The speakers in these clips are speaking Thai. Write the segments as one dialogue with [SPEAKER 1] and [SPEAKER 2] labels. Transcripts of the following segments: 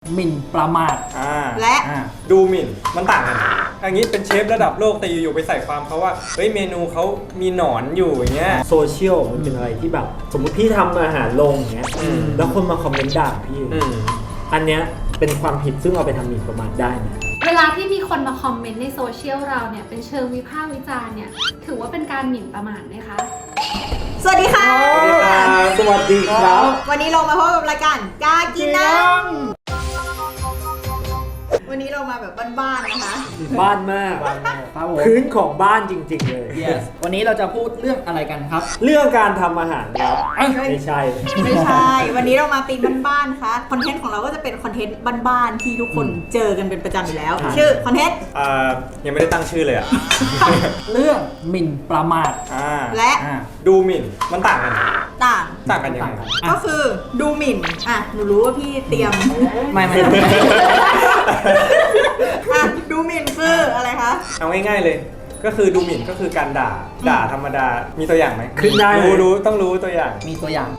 [SPEAKER 1] หมิ่นประมาท
[SPEAKER 2] และ
[SPEAKER 3] ดูหมิ่นมันต่างกันอย่างนี้เป็นเชฟระดับโลกแต่อยู่ๆไปใส่ความเขาว่าเฮ้ยเมนูเขามีหนอนอยู่อย่างเงี้ย
[SPEAKER 4] โซเชียลมันเป็นอะไรที่แบบสมมติพี่ทำอาหารลงอย่างเงี้ยแล้วคนมาคอมเมนต์ด่าพี่อันเนี้ยเป็นความผิดซึ่งเอาไปทำหมิ่นประมาทได้นะ
[SPEAKER 5] เวลาที่มีคนมาคอมเมนต์ในโซเชียลเราเนี่ยเป็นเชิงวิพากษ์วิจารณ์เนี่ยถือว่าเป็นการหมิ่นประมาทไหมคะ
[SPEAKER 2] สวัสดีค่ะ
[SPEAKER 4] สวัสดีครับ
[SPEAKER 2] วันนี้เรามาพบกับรายการกากินน้ำวันนี้เรามาแบบบ้านๆนะคะ
[SPEAKER 4] บ้านมากพื้นของบ้านจริงๆเลย
[SPEAKER 1] yes วันนี้เราจะพูดเรื่องอะไรกันครับ
[SPEAKER 4] เรื่องการทำอาหารครับไม่ใช่
[SPEAKER 2] วันนี้เรามาตีมบ้านๆนะคะคอนเทนต์ของเราก็จะเป็นคอนเทนต์บ้านๆที่ทุกคนเจอกันเป็นประจำอยู่แล้วชื่อคอนเทนต์
[SPEAKER 3] ยังไม่ได้ตั้งชื่อเลยอ่ะ
[SPEAKER 1] เรื่องหมิ่นประมาท
[SPEAKER 2] และ
[SPEAKER 3] ดูหมิ่นมันต่างกันยังไง
[SPEAKER 2] ก็คือดูหมิ่นหนูรู้ว่าพี่เตรียม
[SPEAKER 1] ไม่
[SPEAKER 2] ดูหมิ่นคืออะไรคะ
[SPEAKER 3] เอาง่ายๆเลยก็คือดูหมิ่นก็คือการด่าธรรมดามีตัวอย่างไหม
[SPEAKER 4] ขึ้นได้
[SPEAKER 3] รู้ต้องรู้ตัวอย่าง
[SPEAKER 1] มีตัวอย่าง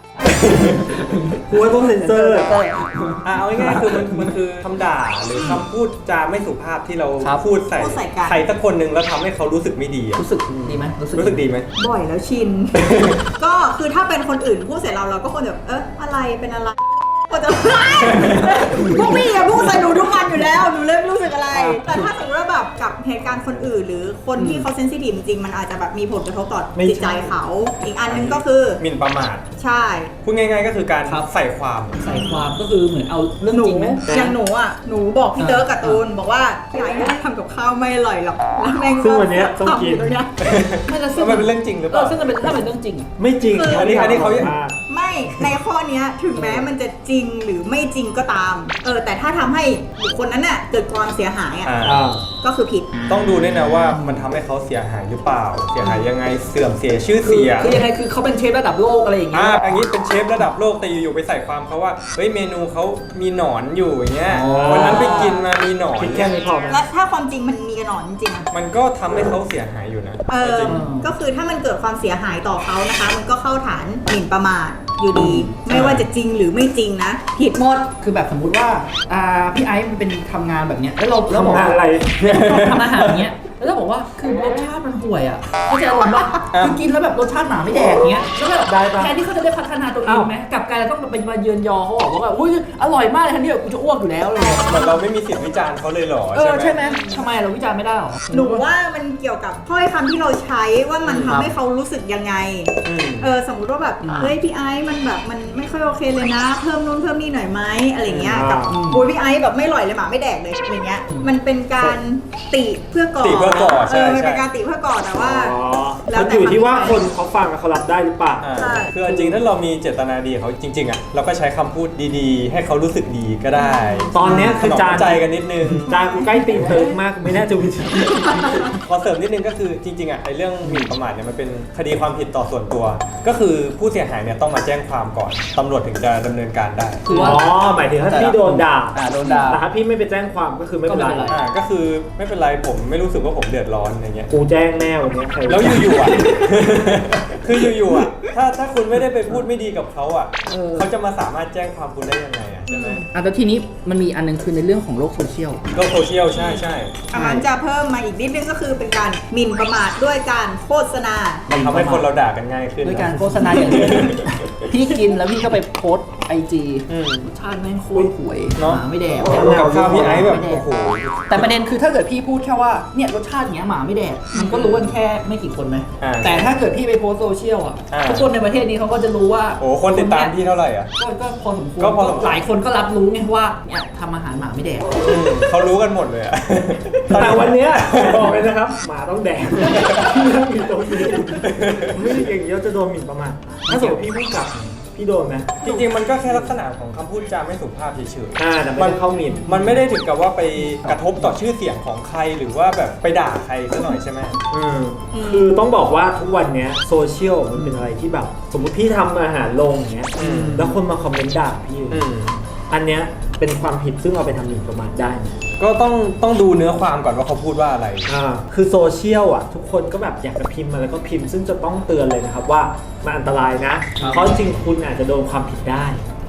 [SPEAKER 4] หัวต้องเซ็นเซอร์
[SPEAKER 3] เอาง่ายๆคือมันคือคำด่าหรือคำพูดจาไม่สุภาพที่เราพูดใส่ใครสักคนหนึ่งแล้วทำให้เขารู้สึกไม่ดี
[SPEAKER 1] รู้สึกดีไหม
[SPEAKER 3] รู้สึกดีไหม
[SPEAKER 2] บ่อยแล้วชินก็คือถ้าเป็นคนอื่นพูดใส่เราก็ควรแบบอะไรเป็นอะไรก็จะพวกพี่พูดใส่หนูทุกวันอยู่แล้วหนูเลยไม่รู้สึกอะไรแต่ถ้าสมมติว่าแบบกับเหตุการณ์คนอื่นหรือคนที่เขาเซนซิทีฟจริงๆมันอาจจะแบบมีผลกระทบต่อจิตใจเขาอีกอันนึงก็คือ
[SPEAKER 3] หมิ่นประมาท
[SPEAKER 2] ใช่
[SPEAKER 3] พูดง่ายๆก็คือการใส่ความ
[SPEAKER 1] ก็คือเหมือนเอาเรื่องจริงไหม
[SPEAKER 2] อย่างหนูบอกพี่เต๋อกับตูนบอกว่าพี่ไอ้ทำกับข้าวไม่อร่อยหรอกแล้วแม่ง
[SPEAKER 4] ซึ่งวันนี้ต้องกิน
[SPEAKER 3] ซึ่งมันเป็นเรื่องจริงหรือเปล่า
[SPEAKER 1] ซึ่งมันเป็นเรื่องจริง
[SPEAKER 4] ไม่จริง
[SPEAKER 3] อันนี้เขา
[SPEAKER 2] ไม่ในข้อนี้ถึงแม้มันจะจริงหรือไม่จริงก็ตามแต่ถ้าทำให้บุคคลนั้นน่ะเกิดความเสียหายก็คือผิด
[SPEAKER 3] ต้องดูด้วยนะว่ามันทำให้เขาเสียหายหรือเปล่าเสียหายยังไงเสื่อมเสียชื่อเสียง
[SPEAKER 1] คือยังไงคือเขาเป็นเชฟระดับโลกอะไรอย่างเงี้ย
[SPEAKER 3] อย่างนี้เป็นเชฟระดับโลกแต่อยู่ๆไปใส่ความเขาว่าเฮ้ยเมนูเขามีหนอนอยู่อย่างเงี้ยวันนั้นไปกินมามีหนอน
[SPEAKER 4] แค่นี้พอ
[SPEAKER 2] แล้วถ้าความจริงมันมีหนอนจริง
[SPEAKER 3] มันก็ทำให้เขาเสียหายอยู่นะ
[SPEAKER 2] ก็คือถ้ามันเกิดความเสียหายต่อเขานะคะมันก็เข้าฐานหมิ่นประมาทอยู่ดีไม่ว่าจะจริงหรือไม่จริงนะผิดหมด
[SPEAKER 1] คือแบบสมมุติว่าพี่ไอซ์มันเป็นทำงานแบบเนี้ยแล้วเรา
[SPEAKER 4] ทำงานอะไร
[SPEAKER 1] ทำอาหารเนี้ยแล้วบอกว่าคือรสชาติมันห่วยเข้าใจอารมณ์ป่ะคือกินแล้วแบบรสชาติหมาไม่แดกเงี้ยแล้วแบบแทนที่เขาจะได้พัฒนาตัวเองไหมกลับกลายต้องไปมาเยือนยอเขาบอกว่าแบบอุ้ยอร่อยมากเลยทันทีแบบกูจะอ้วกอยู่แล้วเลย
[SPEAKER 3] เหมือนเราไม่มีสิทธิ์วิจารณ์เขาเลยหรอ
[SPEAKER 1] ใช่ไหมทำไมเราวิจารณ์ไม่ได้หรอ
[SPEAKER 2] หนูว่ามันเกี่ยวกับถ้อยคำที่เราใช้ว่ามันทำให้เขารู้สึกยังไงสมมติว่าแบบเฮ้ยพี่ไอซ์มันแบบมันไม่ค่อยโอเคเลยนะเพิ่มนู่นเพิ่มนี่หน่อยไหมอะไรเงี้ยกับโอ้ยพี่ไอซ์แบบไม่อร่อยเลยหมาไม่แดกเลยอะไรเงี้ยมันเป็นการติเพื่อก่อมันเป็นการติเพื่อก่อแต่ว่า
[SPEAKER 4] แล้วอยู่ที่ว่าคนเขาฟังเขารับได้หรือเปล่า
[SPEAKER 3] คือจริงถ้าเรามีเจตนาดีเขาจริงๆเราก็ใช้คำพูดดีๆให้เขารู้สึกดีก็ได้
[SPEAKER 4] ตอนนี้คือจาน
[SPEAKER 3] ใจกันนิดนึง
[SPEAKER 4] จานกูใกล้ตีเพิร์กมากไม่น่าจะวิจารณ์
[SPEAKER 3] ขอเสริมนิดนึงก็คือจริงๆไอ้เรื่องหมิ่นประมาทเนี่ยมันเป็นคดีความผิดต่อส่วนตัวก็คือผู้เสียหายเนี่ยต้องมาแจ้งความก่อนตำรวจถึงจะดำเนินการได้
[SPEAKER 4] หมายถึงถ้าพี่โดนด่า
[SPEAKER 1] แต่
[SPEAKER 4] ถ้าพี่ไม่ไปแจ้งความก็คือไม่เป็นไร
[SPEAKER 3] ก็คือไม่เป็นไรผมไม่รู้สึกว่าผมเดือดร้อนอย่างเงี้ย
[SPEAKER 4] กูแจ้งแน่วันนี้
[SPEAKER 3] แล้วอยู่ๆคืออยู่ๆถ้าคุณไม่ได้ไปพูดไม่ดีกับเขาเขาจะมาสามารถแจ้งความคุณได้ยังไงใช่ไหม
[SPEAKER 1] แต่ทีนี้มันมีอันนึงคือในเรื่องของโลกโซเชียล
[SPEAKER 3] ใช่
[SPEAKER 2] อันนั้นจะเพิ่มมาอีกนิดนึงก็คือเป็นการหมิ่นประมาทด้วยการโฆษณา
[SPEAKER 3] มันทำให้คนเราด่ากันง่ายขึ้น
[SPEAKER 1] ด้วยการโฆษณาอย่างเช่นพี่กินแล้วพี่ก็ไปโพสIG รสชาติแม่งโคตรห่วยหมาไม่แดก
[SPEAKER 3] กับข้าวพี่ไอซ์แบบโอ้โห
[SPEAKER 1] แต่ประเด็นคือถ้าเกิดพี่พูดแค่ว่าเนี่ยรสชาติเงี้ยหมาไม่แดกมันก็รู้กันแค่ไม่กี่คนไหมแต่ถ้าเกิดพี่ไปโพสโซเชียลทุกคนในประเทศนี้เขาก็จะรู้ว่า
[SPEAKER 3] โอ้คนติดตามพี่เท่าไหร่
[SPEAKER 1] ก็พอสมควรหลายคนก็รับรู้ไงว่าเนี่ยทำอาหารหมาไม่แดก
[SPEAKER 3] เขารู้กันหมดเลย
[SPEAKER 4] แต่วันนี้บอกเลยนะครับหมาต้องแดกมีตัวนี้ไม่ได้เก่งเยอะจะโดนหมิ่นประมาทถ้าสมมติพี่พูดกลับพี่โดนไหม
[SPEAKER 3] จริงๆมันก็แค่ลักษณะของคำพูดจาไม่สุภาพเฉย
[SPEAKER 4] ๆแต่มันเข้าหมิ่น
[SPEAKER 3] มันไม่ได้ถึงกับว่าไปกระทบต่อชื่อเสียงของใครหรือว่าแบบไปด่าใครซะหน่อยใช่ไหม
[SPEAKER 4] คือต้องบอกว่าทุกวันนี้โซเชียลมันเป็นอะไรที่แบบสมมติพี่ทำอาหารลงอย่างเงี้ยแล้วคนมาคอมเมนต์ด่าพี่อันเนี้ยเป็นความผิดซึ่งเอาไปทำหมิ่นประมาทได้
[SPEAKER 3] ก็ต้องดูเนื้อความก่อนว่าเขาพูดว่าอะไร
[SPEAKER 4] คือโซเชียลทุกคนก็แบบอยากจะพิมพ์มาแล้วก็พิมพ์ซึ่งจะต้องเตือนเลยนะครับว่ามันอันตรายนะเพราะจริงคุณอาจจะโดนความผิดได้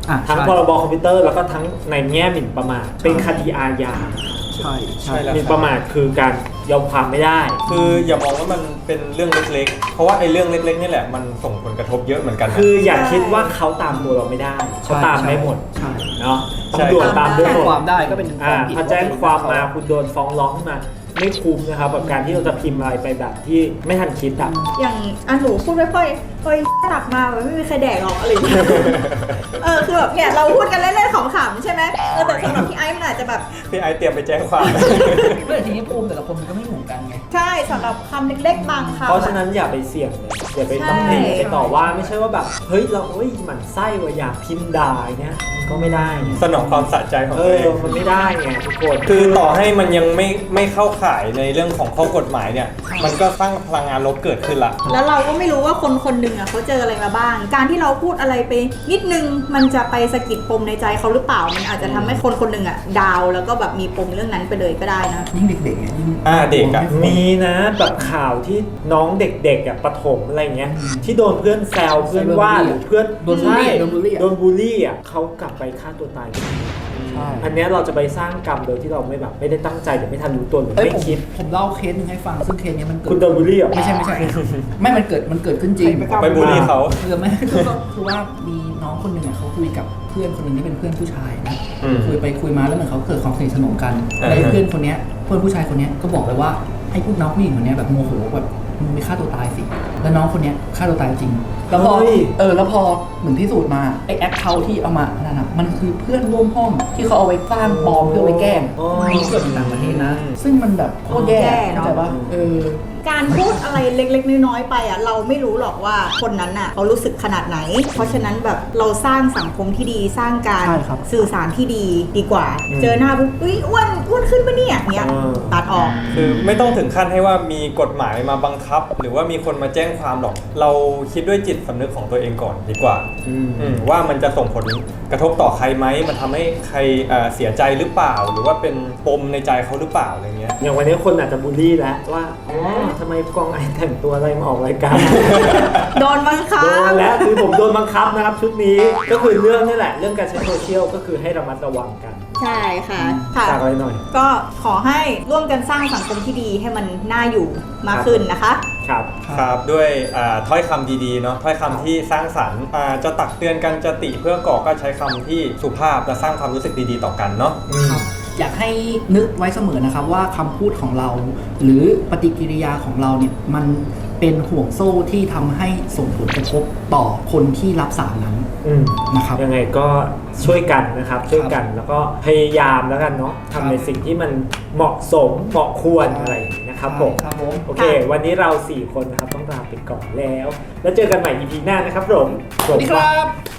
[SPEAKER 4] ทั้ง
[SPEAKER 1] ใช่
[SPEAKER 4] พรบคอมพิวเตอร์แล้วก็ทั้งในแง่หมิ่นประมาทเป็นคดีอาญา
[SPEAKER 1] ใช่
[SPEAKER 3] ใช่แล้ว
[SPEAKER 4] หมิ่นประมาทคือการยอมความไม่ได้
[SPEAKER 3] คืออย่ามองว่ามันเป็นเรื่องเล็กๆ เพราะว่าไอ้เรื่องเล็กๆนี่แหละมันส่งผลกระทบเยอะเหมือนกันนะ
[SPEAKER 4] คืออย่าคิดว่าเขาตามตัวเราไม่ได้เขาตามได้หมด
[SPEAKER 1] ใช่
[SPEAKER 4] เนาะ
[SPEAKER 3] ใช่
[SPEAKER 4] ตำรวจตามได้
[SPEAKER 1] แจ้ง
[SPEAKER 4] หมด
[SPEAKER 1] ความได้ก็เป็นความผิด
[SPEAKER 4] ถ้าแจ้งความมาคุณโดนฟ้องร้องขึ้นมาไม่คุ้มนะครับกับการที่เราจะพิมพ์อะไรไปแบบที่ไม่ทันคิดอ่ะ
[SPEAKER 2] อย่างหนูพูดไม่ค่อยเฮ้ยตักมาแบบไม่มีใครแดกหรอกอะไรอย่างเงี้ย คือแบบเนี่ยเราพูดกันเล่นๆขำๆใช่ไหมแต่สำหรับพี่ไอซ์มันอาจจะแบบ
[SPEAKER 3] พี่ไอซ์เตรียมไปแจ้งความ
[SPEAKER 1] เมื่อทีนี้ภูมิแต่ละคนมันก็ไม่เหมือนกันไง
[SPEAKER 2] ใช่สำหรับคำเล็กๆบางคำ
[SPEAKER 4] เพราะฉะนั้นอย่าไปเสี่ยงเลยอย่าไปตำหนิ
[SPEAKER 2] ใช่
[SPEAKER 4] ไปต่อว่าไม่ใช่ว่าแบบเฮ้ยเราหมั่นไส้ว่าอยากพิมพ์ด่าอย่างเงี้ยมันก็ไม่ได้ไง
[SPEAKER 3] สนองความสะใจของ
[SPEAKER 4] เอ
[SPEAKER 3] ตัว
[SPEAKER 4] อ
[SPEAKER 3] เอง
[SPEAKER 4] มันไม่ได้ไงทุกคน
[SPEAKER 3] คือต่อให้มันยังไม่เข้าข่ายในเรื่องของข้อกฎหมายเนี่ย มันก็สร้างพลังงานลบเกิดขึ้นละ
[SPEAKER 2] แล้วเราก็ไม่รู้ว่าคนหนึ่งอ่ะเขาเจออะไรมาบ้าง การที่เราพูดอะไรไปนิดนึงมันจะไปสะกิดปมในใจเขาหรือเปล่า มันอาจจะทำให้คนหนึ่งอ่ะดาวแล้วก็แบบมีปมเรื่องนั้นไปเลยก็ได้นะ
[SPEAKER 1] ยิ่งเด็กๆเนี่ยยิ่ง
[SPEAKER 3] เด็กอะ
[SPEAKER 4] มีนะแบบข่าวที่น้องเด็กๆอ่ะประถมอะไรเงี้ยที่โดนเพื่อนแซวเพื่อนว่าหรือเพื่อน
[SPEAKER 1] โดนบูลลี่
[SPEAKER 4] ใช่
[SPEAKER 1] โดนบูลลี่อะ
[SPEAKER 4] โดนบูลลี่อ่ะเขากลับไปฆ่าตัวตาย
[SPEAKER 1] ใช่
[SPEAKER 4] อันเนี้ยเราจะไปสร้างกรรมโดยที่เราไม่ได้ตั้งใจหรือไม่ทันรู้ตัวหรือ
[SPEAKER 1] เอ้ย
[SPEAKER 4] ไม่
[SPEAKER 1] ผม
[SPEAKER 4] คิด
[SPEAKER 1] ผมเล่าเคสหนึงให้ฟังซึ่งเคสเนี้ยมันเกิด
[SPEAKER 4] คุณโดนบูลลี่เหรอ
[SPEAKER 1] ไม่ใช่ ไม่มันเกิดขึ้นจริง
[SPEAKER 3] ไปบูลลี่เขา
[SPEAKER 1] คือไม่ คือว่ามีน้องคนหนึ่งอ่ะเขาคุยกับเพื่อนคนหนึ่งที่เป็นเพื่อนผู้ชายนะ
[SPEAKER 3] อืม
[SPEAKER 1] คุยไปคุยมาแล้วเหมือนเขาเกิดความสนิทสนมกัน
[SPEAKER 3] อ่า
[SPEAKER 1] แล้วเพื่อนคนเนี้ยเพื่อนผู้ชายคนเนี้ยก็บอกเลยว่าให้พวกน้องผู้หญิงคนเนี้ยแบบโมโหแบบมึงไปฆ่าตัวตายสิแล้วน้องคนเนี้ยฆ่าตัวตายจริงแล้วพอ
[SPEAKER 4] เฮ้ย
[SPEAKER 1] แล้วพอเหมือนพิสูจน์มาไอ้แอคเคาท์ที่เอามานั่นน่ะมันคือเพื่อนร่วมห้องที่เขาเอาไว้สร้างปลอมเพื่อไว้แกล้ง
[SPEAKER 4] อ๋อ
[SPEAKER 1] มีเกิดในต่างประเทศนะ ซึ่งมันแบบโคตรแย่
[SPEAKER 2] แย่เนอะ
[SPEAKER 1] เข้าใจปะเ
[SPEAKER 2] การพูดอะไรเล็กๆน้อยๆไปอ่ะเราไม่รู้หรอกว่าคนนั้นอ่ะเขารู้สึกขนาดไหน เพราะฉะนั้นแบบเราสร้างสังคมที่ดีสร้างการ
[SPEAKER 1] ใช่ครับ
[SPEAKER 2] สื่อสารที่ดีกว่า เจอหน้าปุ๊บอุ้ยอ้วนขึ้นปะเนี่ยเนี้ยตัดออก
[SPEAKER 3] คือไม่ต้องถึงขั้นให้ว่ามีกฎหมายมาบังคับ หรือว่ามีคนมาแจ้งความหรอก เราคิดด้วยจิตสำนึกของตัวเองก่อนดีกว่าว่ามันจะส่งผลกระทบต่อใครไหมมันทำให้ใครเสียใจหรือเปล่า หรือว่าเป็นปมในใจเขาหรือเปล่าอะไรเงี้ย
[SPEAKER 4] อย่างวันนี้คนอาจจะบูลลี่แล้วว่าอ๋อทำไมกองไอแต่งตัวอะไรมาออกรายการ
[SPEAKER 2] โดนบังคั
[SPEAKER 4] โด
[SPEAKER 2] บ
[SPEAKER 4] นแล้วคือผมโดนบังคับนะครับชุดนี้ก็คือเรื่องนี่แหละเรื่องการใช้โซเชียลก็คือให้ระมัดระวังกัน
[SPEAKER 2] ใช่ค่ะค่ะ
[SPEAKER 4] ฝากอะไรหน่อย
[SPEAKER 2] ก็ขอให้ร่วมกันสร้างสังคมที่ดีให้มันน่าอยู่มากขึ้นนะคะ
[SPEAKER 4] ครับ
[SPEAKER 3] ครับด้วยถ้อยคำดีๆเนาะถ้อยคำที่สร้างสรรค์จะตักเตือนกันจะติเพื่อก่อก็ใช้คำที่สุภาพและสร้างความรู้สึกดีๆต่อกันเนาะ
[SPEAKER 1] ครับอยากให้นึกไว้เสมอนะครับว่าคำพูดของเรา หรือปฏิกิริยาของเราเนี่ยมันเป็นห่วงโซ่ที่ทำให้ส่งผลกระทบต่อคนที่รับสารนั้น นะครับ
[SPEAKER 4] ยังไงก็ช่วยกันนะครับช่วยกันแล้วก็พยายามแล้วกันเนาะ
[SPEAKER 1] ครับ
[SPEAKER 4] ทำในสิ่งที่มันเหมาะสมเหมาะควรอะไรอย่างนี้นะครับผม
[SPEAKER 1] ครับผม
[SPEAKER 4] โอเค วันนี้เรา 4 คนนะครับต้องลาไปก่อนแล้ว แล้วเจอกันใหม่ EP หน้านะครับผม
[SPEAKER 1] สวัสดีครับ